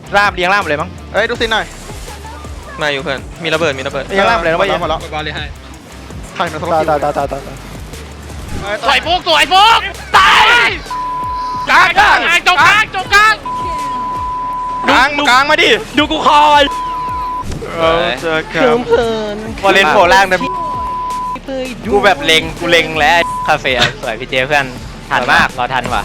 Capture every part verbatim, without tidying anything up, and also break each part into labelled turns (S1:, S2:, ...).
S1: ล่ามเลี้ยงล่ามเลยมั้ง
S2: เอ้ยดูซินหน่อย
S3: มาอยู่เพื่อนมีระเบิดมีระเบิด
S1: เลี้ยงล่ามเลยนะเว้ย
S2: หมดแล้วบอลเลยให้ถ่ายมาสองคิวตายตายตายตายตาย
S4: สวยฟุกสวยฟุกตายกลางกลางจงกลางจงกลาง
S3: กลางกลางมาดิ
S1: ดูกูคอย
S3: เราจะเคิมเพลิน
S1: พอเล่นโผล่ล่างนะกูแบบเล็งกูเล็งแล้วคาเฟ่สวยพี่เจเพื่อนทันมากรอทันว่ะ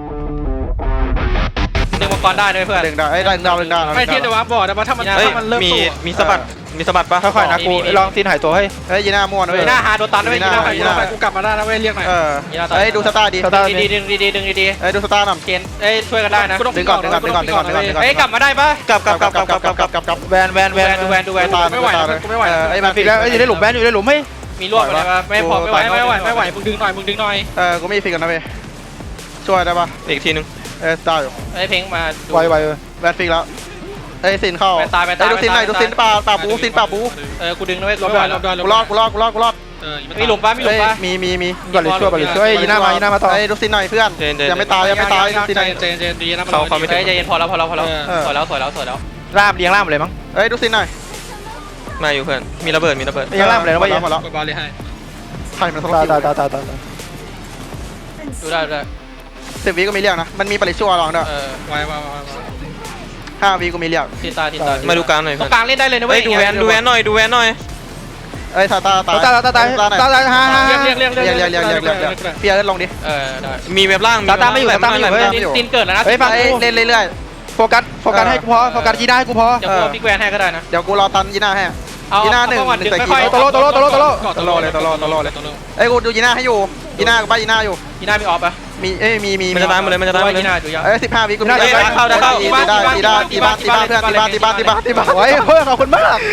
S3: ดึงมังกรได้ด้วยเพื่อน
S2: ดึงได้ไอ้ดึงดาวดึงดาว
S4: ไม่เทียบจะวาร์ปบอร์ดแต่ว่าถ้ามันถ้ามันเริ่ม
S3: มีมีสะบัดมีสะบัดปะ
S1: ค่อยๆนะกูลองซีนหายตัวให้
S2: เฮ้ยยีน่าม่วนเว้ย
S4: ยีน่าหาโดนตันด้วยยีน่ายีน่ากูกลับมาได้นะเว้ยเรียกหน่อย
S2: เออเฮ้ยดูสตาร์ดี
S4: ดีดึงดีดึงดี
S2: เฮ้ยดูสตาร์หน่อย
S4: เกณฑ์เอ้ยช่วยกันได้นะ
S2: ดึงก่อนดึงก่อนดึงก่อนดึงก่อนดึงก่อนดึงก่อน
S4: เอ้ยกลับมาได้ปะ
S3: กลับกลับกลับกลับกลับกลับกลับกลับกลับ
S1: แวนแวนแวน
S4: ดูแวนดูแวนไม่ไหวกูไม่ไหว
S2: ไอ้มา
S1: ฟิกแล้วอยู่ในหลุมแวนอยู่ในหลุมให้
S4: มีรวบอะไรปะไม่พอไม่ไหวไม่ไหวไม่ไหวมึงดึงหน่อยมึงดึงหน่อย
S2: เออกูไม่ฟิกกันนะเว้ยช่วยได้ปะ
S3: อีกทีนึง
S2: เออได้อยู่
S4: ไอ้เพ่งมา
S1: ไวไว
S2: แวนฟิกแล้วไอ้ซินเข้า
S4: ตายไปตาย
S2: ดูซินหน่อยดูซินป่าป่าบูซินป่าบู
S4: เออกูดึงนะเว้ยรอบรอบ
S2: กูรอดกูรอดกูรอดกูรอด
S4: มีหลุมปะมีหลุมปะ
S2: มีมีมี
S1: ก่อนเลยช่วยก่อนเลยช่วยยีน่ามายีน่ามาต่อ
S2: ไอ้ดูซินหน่อยเพื่อนยังไม่ตายยังไม่ตายดูซินหน่อย
S4: เจนเจนดีนะเขาเขาไม่ใจเย็นพอแล้วพอแล้วพอแล้วสวยแล้วสวยแล้วสวยแล้ว
S1: ล่ามเลี้ยงล่ามเลยมั้ง
S2: เอ้ยดูซินหน่อย
S3: มาอยู่เพื่อนมีระเบิดมีระเบิด
S1: เลี้ยงล่ามเลยนะเว้ย
S2: หมดแล้วบอลเลยให้ถ่ายมาสองคิวตายตายตายตาย
S4: ดูได้ดูได้
S2: สิบวิก็มีเรียกนะมันมีปริชั่วลองด้วย
S4: เออไว้ไว้ไว้
S2: ห้าวิก็มีเรียก
S4: ทีตาทีตา
S3: มาดูกลางหน่อย
S4: ตรงกลางเล่นได้เลยนะเว้ย
S3: ดูแวนดูแวนหน่อยดูแวนหน่อย
S2: เอ้ยตาตาตา
S1: ตาตาตาตาตาตาฮ่าฮ่า
S4: เรียกเรียกเรียก
S2: เรียกเรียกเรียกเรียกเรียกเปียเล่นลงดิ
S4: เออได้
S3: มีเว็บล่าง
S1: ตาตาไม่อยู่ตาตาไม่อยู่
S4: ตีนเกิดแล้วนะ
S1: เฮ้ยฟังกู
S2: เล่นเรื่อย
S1: ๆโฟกัสโฟกัสให้กูพอโฟกัสยีน่าให้กูพอ
S4: เดี๋ยวกูพี่แกวนให้ก็ได้นะ
S2: เดี๋ยวกูรอตันยีน่าให้ยีน่าหนึ่งหนึ่งใส่ขีด
S1: โตโลโตโลโตโลโตโล
S2: โตโลเลยโตโลโตโลเลยเอ้ยกูดูยีน่าให้อยู่ยีน่าบ้ายีน่าอยู่
S4: ยีน่ามีออฟปะ
S2: มีเอ้ยมีมี
S3: มันจะตายหมดเลยมันจะตายหมดเลย
S2: เอ้ยสิบห้าวิกูได้
S3: เข้าได้เข้า
S2: ตีได้ตีได้ตีบ้านตีบ้านเพื่อนตีบ้านตีบ้านตีบ้านตีบ้าน
S1: โอ้ยเพื่อนขอบคุณมาก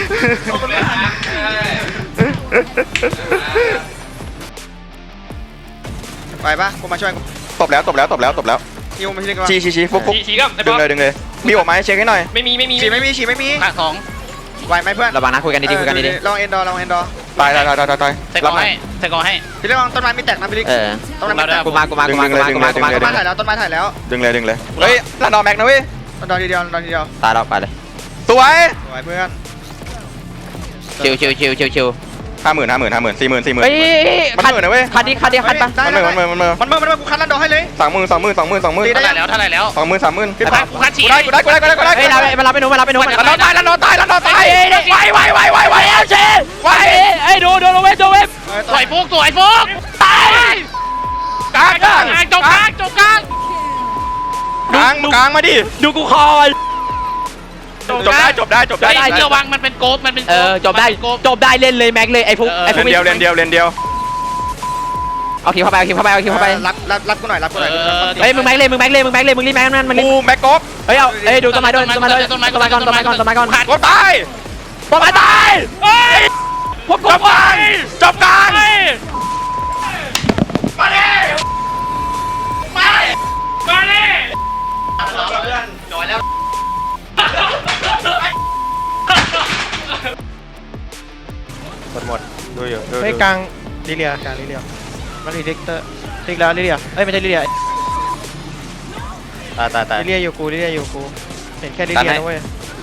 S2: ไปปะกูมาช่วย
S3: ตบแล้วตบแล้วตบแล้วตบแล้ว
S2: ยิวมาชี้กัน
S3: ชี้ชี้ชี้ฟุกฟุกดึงเลยดึงเลยมีออกมาให้เช็คให้หน่อย
S4: ไม่มีไม่มี
S2: ฉีไม่มีฉีไม่มี
S4: ขาดสอง
S2: ไหวไหมเพื่อน
S1: ระวังนะคุยกันดีๆคุยกันดี
S2: ๆลองเอ็นดอร์ลองเอ็นดอร์
S3: ตายตายตายตายตาย
S4: ใส่กองให้ใส่กองให้
S2: พี่เรื่องต้นไม้ไม่แตกนะพี่ลิก
S1: ต้นไม้ไม่แตกกูมากูมากูมากูมากูมากูมา
S2: ต้นไม้ถ่ายแล้วต้นไม้ถ่ายแล้ว
S3: ดึงเลยดึงเลยเฮ้ยลันดอแม็กนะเว้ย
S2: ลันดอทีเดียวลันดอทีเดียว
S1: ตายแล้วไปเลย
S3: สวย
S2: สวยเพื่อน
S1: ชิวชิวชิวชิวชิว
S3: ห้าหมื่นห้าหมื่นห้าหมื่นสี่หมื่นสี่หมื่น
S1: เฮ้ย
S3: มันหมื่นนะเว้ย
S1: คันดีคันดีคันปะ
S3: มันหมื่นมันหมื่นมันหมื่น
S2: มันหมื่นมันหมื่นกูคันลันดอให้เลย
S3: สองหมื่นสองหมื่นสองหมื่นสองหมื่น
S4: เท่าไหร่แล้วเท่าไหร่แล้ว
S3: สองหมื่นสามหมื่น
S4: พี่พักกูคัดฉี
S3: กูได้กูได้กูได้กูได้กูได้
S1: เฮ้ยมารับไปหนูมารับไปหนู
S3: ลันดอตายลันดอตายลันดอตาย
S1: ไวไวไวไวไวเอลเชไวเอ้ยดูดูดูเว็บดูเว็บ
S4: สวยฟุกสวยฟุกตายกลางกลางจงกลางจงกลาง
S3: กลางกลางมาดิ
S1: ดูกูคอย
S3: จบได้จบได้จบได้
S4: เชื่อวังมันเป็นโกบมันเป็น
S1: เออจบได้จบได้เล่นเลยแม็กเลยไอ้ฟุกไอ้ฟุก
S3: เดียวเล่นเดียวเล่นเดียว
S1: เอาคิวเข้าไปเอาคิวเข้าไปเอาคิวเข้าไป
S2: รับรับรับกูหน่อยรับกูหน่อย
S1: เฮ้ยมึงแม็กเลยมึงแม็กเลยมึงแม็กเลยมึงรีบแม็กนั่นมัน
S3: กูแม็กกบ
S1: เฮ้ยเอาเฮ้ยดูต้นไม้ด้วยต้นไม้ด้วยต้นไม้ก่อนต้นไม้ก่อนต้นไม้ก่อน
S3: กบตาย
S1: ต้นไม้ตาย
S3: เฮ้ยพบจบกันจบกัน
S4: มาดิมามาดิจอยแล้ว
S3: หมดหมดดูอยู่
S1: เฮ้ยกลางลิเลียกลางลิเลียมันรีเด็กเตอร์ลิเลียลิเลียเอ้ยไม่ใช่ลิเลีย
S3: ตายตายตาย
S1: ลิเลียอยู่กูลิเลียอยู่กูเห็นแค่ลิเลียนะเว้ย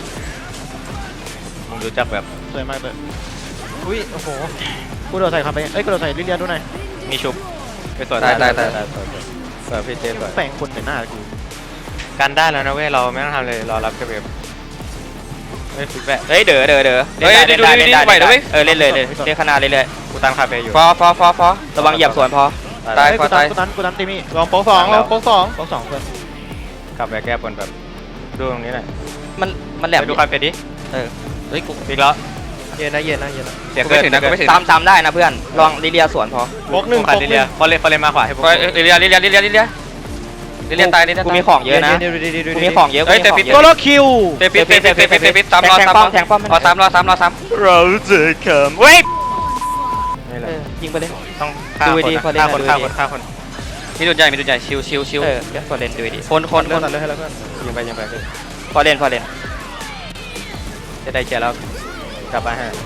S3: มึงดูจักแบบ
S1: สวยมากเลยอุ้ยโอ้โหกูโดดใส่คำไปเอ้ยกูโดดใส่ลิเลียดูหน่อย
S3: มีชุบไปสวยตายตายตายสวยพี่เจสวย
S1: แฝงคนใส่หน้ากู
S3: กันได้แล้วนะเว้ยเราไม่ต้องทำเลยรอรับกระเบียบเฮ้ยแบเฮ้ยเด๋อเด๋อเด๋อเฮ้ยเล่นได้เล่นได้เล่นได้เออเล่นเลยเลยเล่นขนาดเรื่อยๆกูตั้งคาเฟ่อยู่พอพอพอพอระวังเหยียบสวนพอ
S1: ตายกูตันกูตันกูตันตีมี่ลองโป๊กสองลองโป๊กสองโป๊กสองเพื่อน
S3: กลับไปแก้บนแบบดูตรงนี้หน่อย
S1: มันมันแหลม
S3: ดูคาเฟ่ดิ
S1: เออเฮ้ยกู
S3: อีกแล้ว
S1: เย็นนะเย็นนะเย็นนะ
S3: เสียเกินถึงนะกูไม่ถึง
S1: ตามตามได้นะเพื่อนลองลิเลียสวนพอ
S3: โป๊กหนึ่งโป๊กลิเลียพอเล่นพอเล่นมาขวาให้โป๊กลิเลียลิเลียลิเลียลิเลียลิเลียตายลิเลีย
S1: กูมีของเยอะนะกูมีของเยอะ
S3: เฮ้ยเตปิด
S1: โกโลคิว
S3: เตปิดเตปิดเตปิดเตปิดตามรอตามรอแทงป้อมรอตามรอตามรอตามเราจะขำเว้ย
S1: ยิงไปเลย
S3: ต้องฆ่าคนฆ่าคนฆ่าคนฆ่าคนมีดุนใหญ่มีดุนใหญ่ชิวชิวชิว
S1: เออพอเล่นดูดิ
S3: คนคนคน
S1: เลยให้แล้วเพื่อน
S3: ยิงไปยิงไป
S1: พอเล่นพอเล่น
S3: จะได้เจอแล้วกลับมาฮะ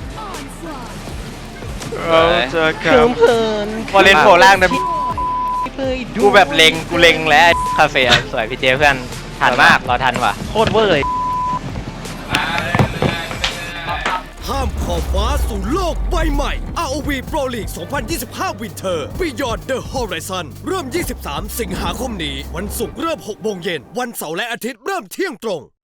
S3: เราจะขำ
S1: เพลิน
S3: พอเล่นโผล่ล่างนะ
S1: กูแบบเล็งกูเล็งแล้วคาเฟ่สวยพี่เจเพื่อนทันมากเราทันว่ะโคตรเวอร์เลย
S5: ข้ามขอบฟ้าสู่โลกใบใหม่ อาร์ โอ วี Pro League สองพันยี่สิบห้า Winter Beyond the Horizon เริ่ม ยี่สิบสาม สิงหาคมนี้ วันศุกร์เริ่ม หกโมงเย็น วันเสาร์และอาทิตย์เริ่มเที่ยงตรง